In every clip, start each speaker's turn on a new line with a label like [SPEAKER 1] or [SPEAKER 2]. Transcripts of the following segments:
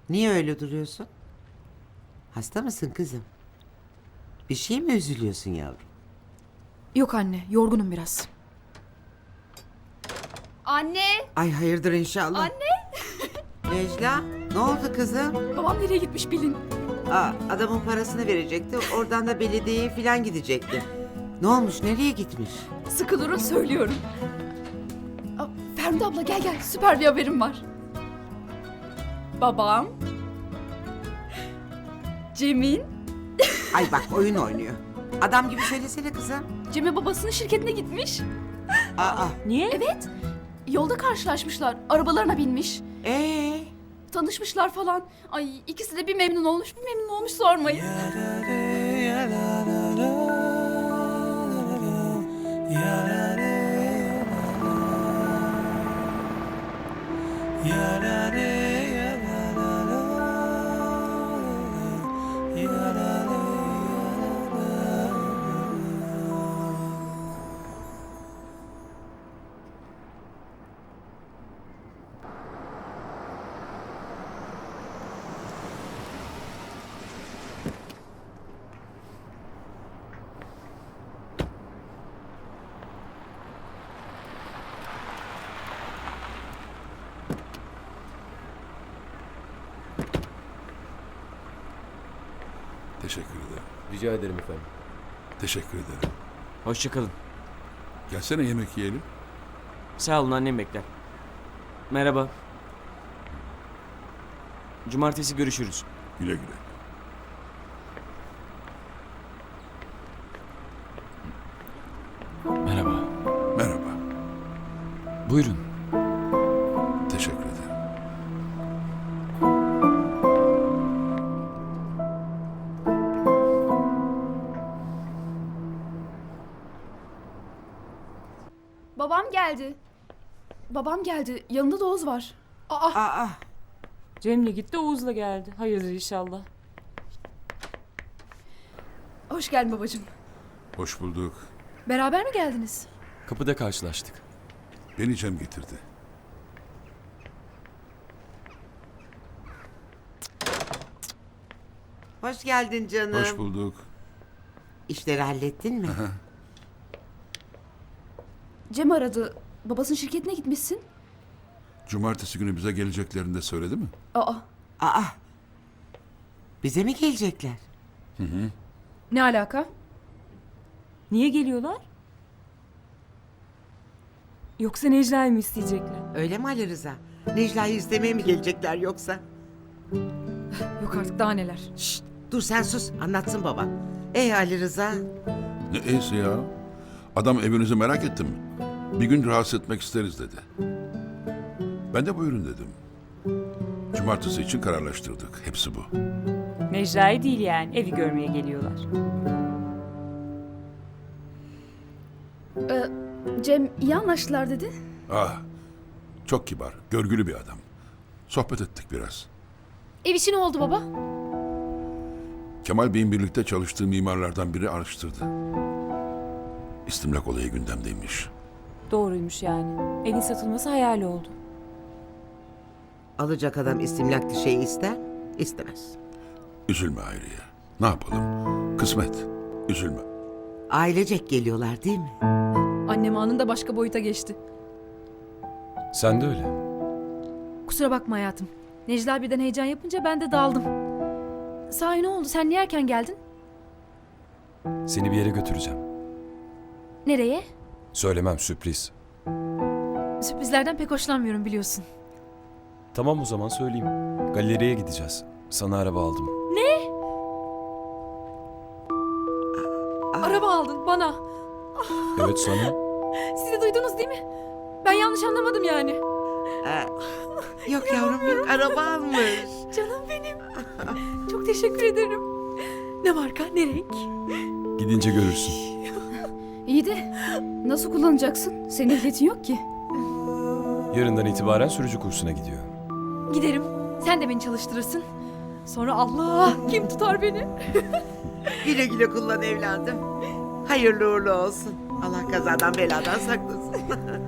[SPEAKER 1] Niye öyle duruyorsun? Hasta mısın kızım? Bir şey mi üzülüyorsun yavrum?
[SPEAKER 2] Yok anne, yorgunum biraz. Anne!
[SPEAKER 1] Ay hayırdır inşallah.
[SPEAKER 2] Anne!
[SPEAKER 1] Necla, ne oldu kızım?
[SPEAKER 2] Babam nereye gitmiş bilin.
[SPEAKER 1] Adamın parasını verecekti. Oradan da belediyeye falan gidecekti. Ne olmuş? Nereye gitmiş?
[SPEAKER 2] Sıkı durun söylüyorum. Feride abla gel gel, süper bir haberim var. Babam... Cem'in...
[SPEAKER 1] Ay bak oyun oynuyor. Adam gibi söylesene kızım.
[SPEAKER 2] Cem'e babasının şirketine gitmiş.
[SPEAKER 3] Niye?
[SPEAKER 2] Evet. Yolda karşılaşmışlar. Arabalarına binmiş. Tanışmışlar falan. Ay ikisi de bir memnun olmuş sormayın.
[SPEAKER 4] Teşekkür ederim.
[SPEAKER 5] Rica ederim efendim.
[SPEAKER 4] Teşekkür ederim.
[SPEAKER 3] Hoşça kalın.
[SPEAKER 4] Gelsene yemek yiyelim.
[SPEAKER 3] Sağ olun, annem bekler. Merhaba. Cumartesi görüşürüz.
[SPEAKER 4] Güle güle.
[SPEAKER 5] Merhaba.
[SPEAKER 4] Merhaba.
[SPEAKER 5] Buyurun.
[SPEAKER 4] Teşekkür ederim.
[SPEAKER 2] Babam geldi. Babam geldi. Yanında da Oğuz var.
[SPEAKER 6] Cem'le gitti, Oğuz'la geldi. Hayırdır inşallah.
[SPEAKER 2] Hoş geldin babacığım.
[SPEAKER 4] Hoş bulduk.
[SPEAKER 2] Beraber mi geldiniz?
[SPEAKER 5] Kapıda karşılaştık.
[SPEAKER 4] Beni Cem getirdi.
[SPEAKER 1] Hoş geldin canım.
[SPEAKER 4] Hoş bulduk.
[SPEAKER 1] İşleri hallettin mi?
[SPEAKER 2] Cem aradı. Babasının şirketine gitmişsin.
[SPEAKER 4] Cumartesi günü bize geleceklerini de söyledi mi?
[SPEAKER 2] Aa,
[SPEAKER 1] Bize mi gelecekler?
[SPEAKER 2] ne alaka?
[SPEAKER 6] Niye geliyorlar? Yoksa Necla'yı mı isteyecekler?
[SPEAKER 1] Öyle mi Ali Rıza? Necla'yı istemeye mi gelecekler yoksa?
[SPEAKER 2] Yok artık daha neler.
[SPEAKER 1] Şşt, dur sen sus, anlatsın baba. Ali Rıza?
[SPEAKER 4] Ne iyisi ya? Adam evinizi merak etti mi? Bir gün rahatsız etmek isteriz dedi. Ben de buyurun dedim. Cumartesi için kararlaştırdık. Hepsi bu.
[SPEAKER 6] Necla'yı değil yani, evi görmeye geliyorlar.
[SPEAKER 2] Cem iyi anlaştılar dedi.
[SPEAKER 4] Çok kibar, görgülü bir adam. Sohbet ettik biraz.
[SPEAKER 2] Ev işi ne oldu baba?
[SPEAKER 4] Kemal Bey'in birlikte çalıştığı mimarlardan biri araştırdı. İstimlak olayı gündemdeymiş.
[SPEAKER 6] Doğruymuş yani. Evin satılması hayal oldu.
[SPEAKER 1] Alacak adam istimlaklı şey ister, istemez.
[SPEAKER 4] Üzülme Hayriye. Ne yapalım? Kısmet. Üzülme.
[SPEAKER 1] Ailecek geliyorlar değil mi?
[SPEAKER 2] Annem anında başka boyuta geçti.
[SPEAKER 5] Sen de öyle.
[SPEAKER 2] Kusura bakma hayatım. Necla birden heyecan yapınca ben de daldım. Sahi ne oldu? Sen niye erken geldin?
[SPEAKER 5] Seni bir yere götüreceğim.
[SPEAKER 2] Nereye?
[SPEAKER 5] Söylemem, sürpriz.
[SPEAKER 2] Sürprizlerden pek hoşlanmıyorum biliyorsun.
[SPEAKER 5] Tamam, o zaman söyleyeyim. Galeriye gideceğiz. Sana araba aldım.
[SPEAKER 2] Araba aldın bana.
[SPEAKER 5] Evet, sana.
[SPEAKER 2] Siz de duydunuz değil mi? Ben yanlış anlamadım yani.
[SPEAKER 1] Yok yavrum yok, araba almış.
[SPEAKER 2] Canım benim. Çok teşekkür ederim. Ne marka, ne renk?
[SPEAKER 5] Gidince görürsün.
[SPEAKER 2] İyi de nasıl kullanacaksın? Senin ehliyetin yok ki.
[SPEAKER 5] Yarından itibaren sürücü kursuna gidiyor.
[SPEAKER 2] Giderim. Sen de beni çalıştırırsın. Sonra Allah kim tutar beni?
[SPEAKER 1] Güle güle kullan evladım. Hayırlı uğurlu olsun. Allah kazadan beladan saklasın.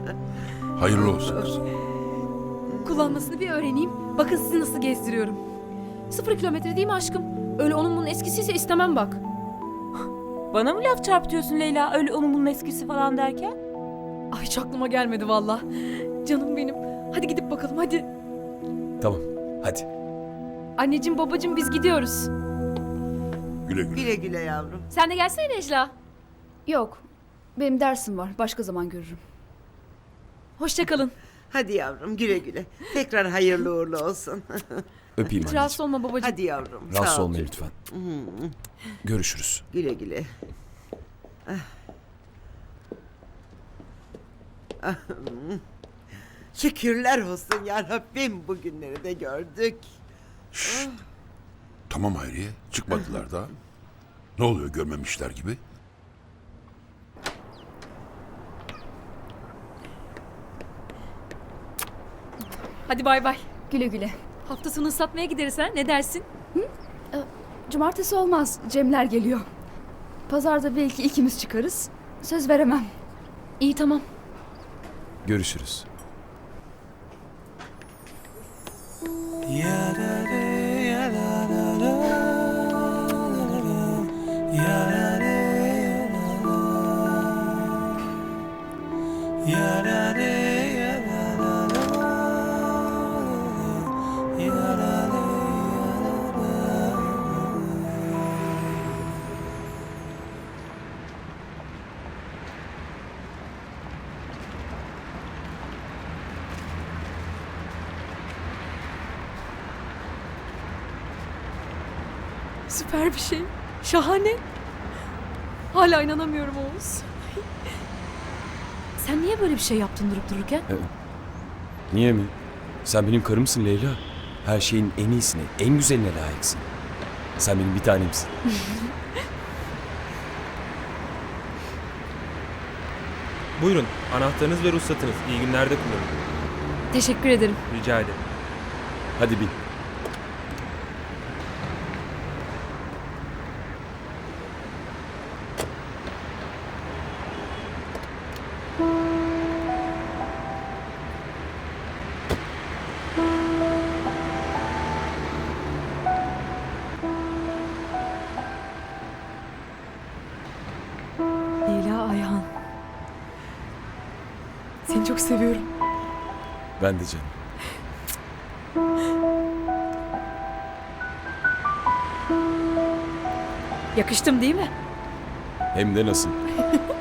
[SPEAKER 4] Hayırlı olsun kızım.
[SPEAKER 2] Kullanmasını bir öğreneyim. Bakın sizi nasıl gezdiriyorum.
[SPEAKER 7] 0 kilometre değil mi aşkım? Öyle onun bunun eskisiyse istemem bak.
[SPEAKER 6] Bana mı laf çarpıtıyorsun Leyla? Öyle onun bunun eskisi falan derken?
[SPEAKER 7] Ay hiç aklıma gelmedi valla. Canım benim. Hadi gidip bakalım hadi.
[SPEAKER 5] Tamam, hadi.
[SPEAKER 7] Anneciğim babacığım biz gidiyoruz.
[SPEAKER 4] Güle güle.
[SPEAKER 1] Güle güle yavrum.
[SPEAKER 7] Sen de gelsene Necla.
[SPEAKER 2] Yok. Benim dersim var. Başka zaman görürüm.
[SPEAKER 7] Hoşça kalın.
[SPEAKER 1] Hadi yavrum güle güle. Tekrar hayırlı uğurlu olsun.
[SPEAKER 5] Öpeyim
[SPEAKER 7] Hiç rahatsız
[SPEAKER 5] anneciğim.
[SPEAKER 7] olma babacığım.
[SPEAKER 1] Hadi yavrum.
[SPEAKER 5] Rahatsız
[SPEAKER 1] sağ ol
[SPEAKER 5] olmayın
[SPEAKER 1] çocuğum.
[SPEAKER 5] lütfen. Görüşürüz.
[SPEAKER 1] Güle güle. Şükürler olsun ya Rabbim, bugünleri de gördük.
[SPEAKER 4] Tamam Hayriye, çıkmadılar daha. Ne oluyor görmemişler gibi?
[SPEAKER 7] Hadi bay bay.
[SPEAKER 2] Güle güle.
[SPEAKER 7] Hafta sonu ıslatmaya gideriz ha, ne dersin?
[SPEAKER 2] Cumartesi olmaz. Cemler geliyor. Pazarda belki ikimiz çıkarız. Söz veremem.
[SPEAKER 7] İyi tamam.
[SPEAKER 5] Görüşürüz.
[SPEAKER 7] Süper bir şey. Şahane. Hala inanamıyorum Oğuz. Sen niye böyle bir şey yaptın durup dururken?
[SPEAKER 5] Niye mi? Sen benim karımsın Leyla. Her şeyin en iyisine, en güzeline layıksın. Sen benim bir tanemsin.
[SPEAKER 8] Buyurun, anahtarınız ve ruhsatınız. İyi günlerde kullanın.
[SPEAKER 7] Teşekkür ederim.
[SPEAKER 8] Rica ederim.
[SPEAKER 5] Hadi bin.
[SPEAKER 7] Leyla Ayhan. Seni çok seviyorum.
[SPEAKER 5] Ben de canım.
[SPEAKER 7] Yakıştım değil mi?
[SPEAKER 5] Hem de nasıl?